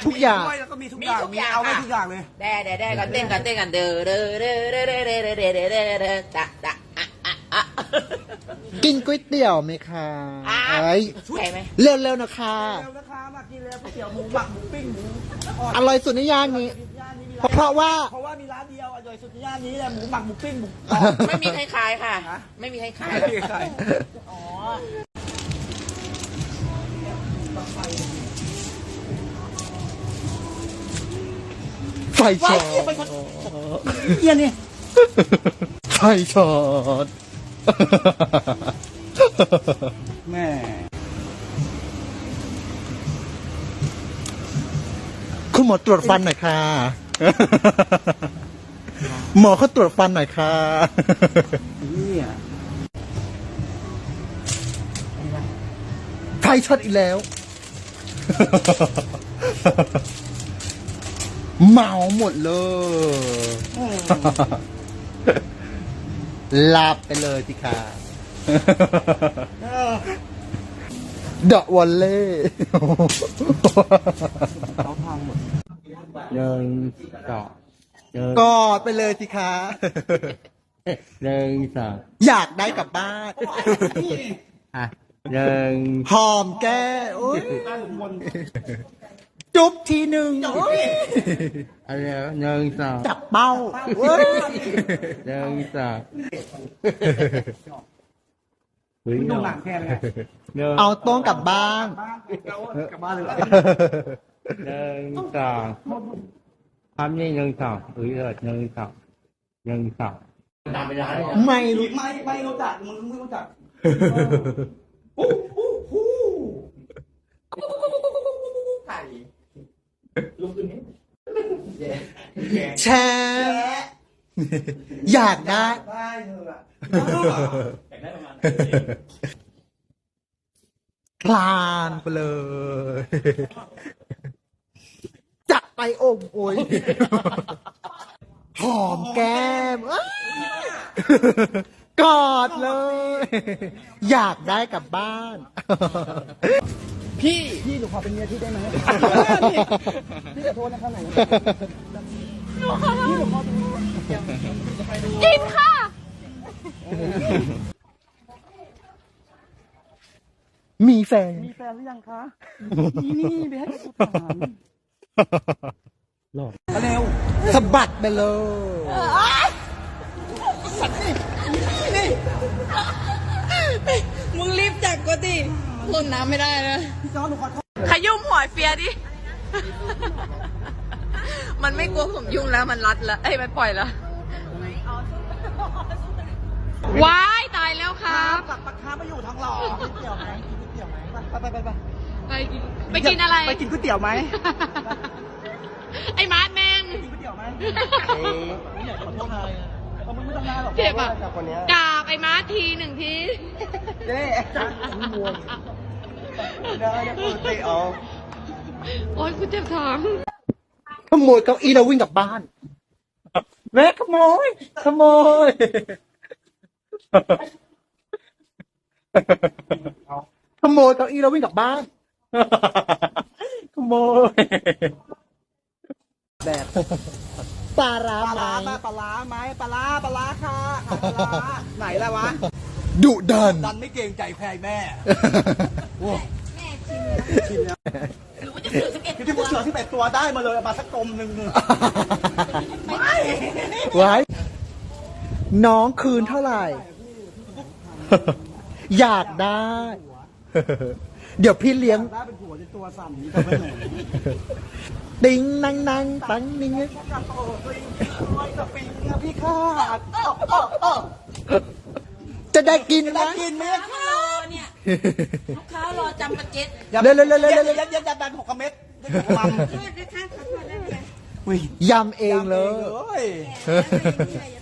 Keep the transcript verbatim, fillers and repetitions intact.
ทุกอย่างแล้วก็มีทุกอย่างมีเอาไว้ทุกอย่างเลยแด่แด่แด่กันเต้นกันเต้นกันเด้อเด้อเด้อเด้อเด้อเด้อเด้อเด้อเด้อเด้อเด้อตะตะอะอะอะกินก๋วยเตี๋ยวไหมคะไอ้ใช่ไหมเร็วๆนะคะเร็วนะคะมากินเลยก๋วยเตี๋ยวหมูหมักหมูปิ้งหมูอร่อยสุดในย่านนี้ย่านนี้มีเพราะว่าเพราะว่ามีร้านเดียวอร่อยสุดในย่านนี้แหละหมูหมักหมูปิ้งหมูไม่มีใครขายค่ะ ไม่มีใครขายไม่มีใครอ๋อไฟช็อตเยี่ยนี่ไฟช็อตแม่คุณหมอตรวจฟันหน่อยค่ะ หมอเขาตรวจฟันหน่อยค่ะนี่อ่ะไฟช็อตอีกแล้ว เมาหมดเลย ลาบไปเลยสิค่ะ เดอะวอลเล่เขาพังหมดหนึ่งสองหนึ่งกอดไปเลยสิคะหนึ่งสองอยากได้กลับบ้านอ่ะหนึ่งหอมแก้โอ้ยจุ๊บทีหนึ่งโอ้ยเอาเร็วหนึ่งสองจับเป้าเว้ยหนึ่งสองเฮ้ยดูหนังแค่ไหนหนึ่งเอาโต้งกลับบ้านกลับบ้านเลยหนึ่งสองทำนี่หนึ่งสองเฮ้ยเออหนึ่งสองหนึ่งสองตามไปได้ไม่รู้ไม่ไม่รู้จักมึงไม่รู้จักฮู้ฮู้ฮู้ไข่ลุกขึ้นนี้แชร์อยากได้ได้เธออะอยากได้ประมาณคลานไปเลย จับไปโอ่งโอย หอมแก้มเอ้ยกอดเลย อยากได้กลับบ้านพี่พี่หนูขอเป็นเมียพี่ได้ไหมพี่ขอโทษนะคะไหนพี่หนูขอเป็นกินค่ะมีแฟนมีแฟนหรือยังคะนี่นี่ไปให้กูถามเร็วสะบัดไปเลยมึงรีบจับก็ดิหล่นน้ำไม่ได้นะพี่จอร์จหนูขอโทษขยุ่มหัวเฟียดิ มันไม่กลัวผมยุ่งแล้วมันรัดแล้วเอ้ยมันปล่อยแล้วว้ายตายแล้วครับกลับปากค้ามาอยู่ทองหล่อกินก๋วยเตี๋ยวไหมกินก๋วยเตี๋ยวไหมไปไปไปไปไปกินไปกินอะไรไปกินก๋วยเตี๋ยวไหมไอ้มาร์ทแมงกินก๋วยเตี๋ยวไหมไม่อยากขอโทษใครเอามึงไม่ต้องได้หรอกเจ็บอ่ะจากคนนี้กราบไอ้มาร์ททีหนึ่งทีเจ๊จังมวนได้ได้ปกติเอาโอ๊ยกูเจ็บท้องขโมยเก้าอี้แล้ววิ่งกลับบ้าน แม่ขโมย ขโมย ขโมยเก้าอี้แล้ววิ่งกลับบ้าน ขโมยแบบปลาร้าปลาไหมร้าไหมปลาร้าไหมปลาร้าปลาร้าค่ะขายปลาร้าไหนล่ะวะดุดันดันไม่เกรงใจใครแม่โอ้ชิมแล้วที่พวกเสือที่แปดตัวได้มาเลยเอามาสักกลมหนึ่งไม่ไว้ น้องคืนเท่าไหร่ อยากได้ เดี๋ยวพี่เลี้ยงได้เป็นผัวในตัวสั่นนี้แต่ไม่หนูติงนังนังตังนิงกับโอ้ยโอ้ยกับปิงนะพี่ข้าจะได้กินได้นะกินไหมรอเนี่ยลูกค้ารอจำประเจ็ดเร็วเร็วเร็วเร็วเย็เร็วนเย็นเย็นยันดันหกเม็ดมัมโทษนะคะขอโทษนะเนี่ยอุ้ยยำเองเลยเลย